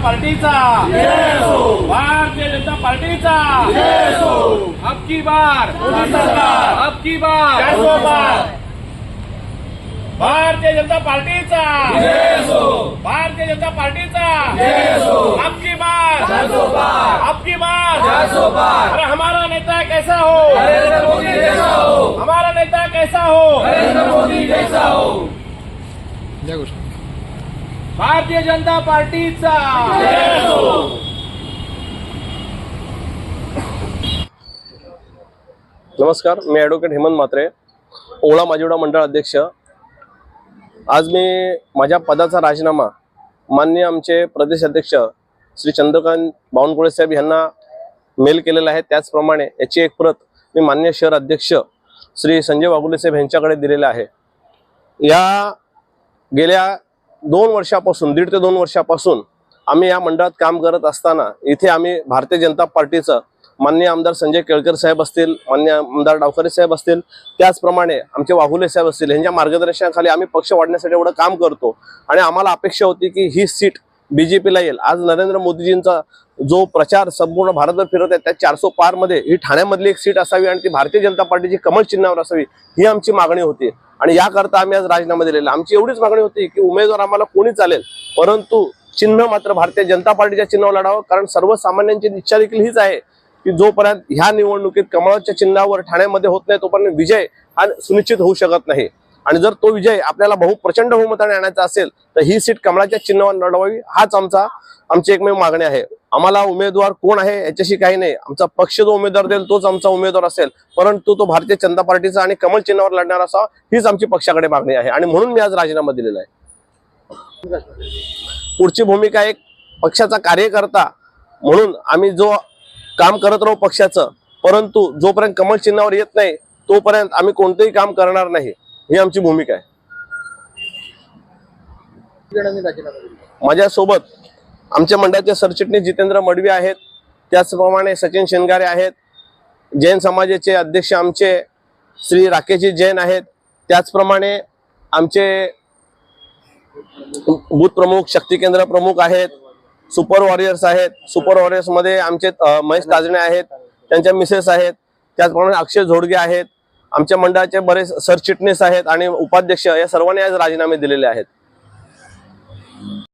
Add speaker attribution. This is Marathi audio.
Speaker 1: पार्टीचा भारतीय जनता पार्टीचा अब की बार अब की बार भारतीय जनता पार्टीचा भारतीय जनता पार्टीचा अब की बार अरे हमारा नेता कैसा हो, हमारा नेता कैसा हो, भारतीय जनता पार्टीचा
Speaker 2: नमस्कार, मी ॲडव्होकेट हेमंत म्हात्रे, ओळा माजिवडा मंडळ अध्यक्ष। आज मी माझ्या पदाचा राजीनामा माननीय आमचे प्रदेश अध्यक्ष श्री चंद्रकांत बावनकुळे साहेब यांना मेल केलेला आहे। त्याचप्रमाणे याची एक प्रत मी माननीय शहर अध्यक्ष श्री संजय वाघुले साहेब यांच्याकडे दिलेला आहे। या गेल्या 2 वर्षापासून 1.5 ते 2 वर्षापासून आम्ही या मंडळात काम करत असताना इथे आम्ही भारतीय जनता पार्टीचं माननीय आमदार संजय केळकर साहेब असतील, माननीय आमदार डावखरे साहेब असतील, त्याचप्रमाणे आमचे वाघुले साहेब असतील, यांच्या मार्गदर्शनाखाली आम्ही पक्ष वाढण्यासाठी एवढं काम करतो। आणि आम्हाला अपेक्षा होती की ही सीट बीजेपीला येईल। आज नरेंद्र मोदीजींचा जो प्रचार संपूर्ण भारतभर फिरत आहे त्या 400 पार मध्ये ही ठाण्यामधली एक सीट असावी आणि ती भारतीय जनता पार्टीची कमळ चिन्हावर असावी, ही आमची मागणी होती। आणि याकरता आम्ही आज राजीनामा दिलेला। आमची एवढीच मागणी होती की उमेदवार आम्हाला कोणी चालेल, परंतु चिन्ह मात्र भारतीय जनता पार्टीच्या चिन्हावर लढावं। कारण सर्वसामान्यांची इच्छा देखील हीच आहे की जोपर्यंत ह्या निवडणुकीत कमळाच्या चिन्हावर ठाण्यामध्ये होत नाही तोपर्यंत विजय हा सुनिश्चित होऊ शकत नाही। आणि जर तो विजय आपल्याला प्रचंड बहुमताने आणायचा असेल तर ही सीट कमळाच्या चिन्हावर लढवावी, हाच आमची एकमेव मागणी आहे। आम्हाला उमेदवार कोण आहे याच्याशी काही नाही, आमचा पक्ष जो उमेदवार देईल तोच आमचा उमेदवार असेल, परंतु तो भारतीय जनता पार्टीचा आणि कमळ चिन्हावर लढणार असावा, हीच आमची पक्षाकडे मागणी आहे। आणि म्हणून मी आज राजीनामा दिलेला आहे। पुढची भूमिका एक पक्षाचा कार्यकर्ता म्हणून आम्ही जो काम करत राहू पक्षाचं, परंतु जोपर्यंत कमळ चिन्हावर येत नाही तोपर्यंत आम्ही कोणतेही काम करणार नाही, ही आमची भूमिका आहे। माझ्यासोबत आमच्या मंडळाचे सरचिटणीस जितेंद्र मडवी आहेत, त्याचप्रमाणे सचिन शेनगारे आहेत, जैन समाजाचे अध्यक्ष आमचे श्री राकेशजी जैन आहेत, त्याचप्रमाणे आमचे बूथ प्रमुख शक्ती केंद्र प्रमुख आहेत, सुपर वॉरियर्स आहेत। सुपर वॉरियर्स मध्ये आमचे महेश ताजणे आहेत, त्यांच्या मिसेस आहेत, त्याचप्रमाणे अक्षय झोडगे आहेत, आमच्या मंडळाचे बरेच सरचिटणीस आहेत आणि उपाध्यक्ष, या सर्वांनी आज राजीनामे दिलेले आहेत।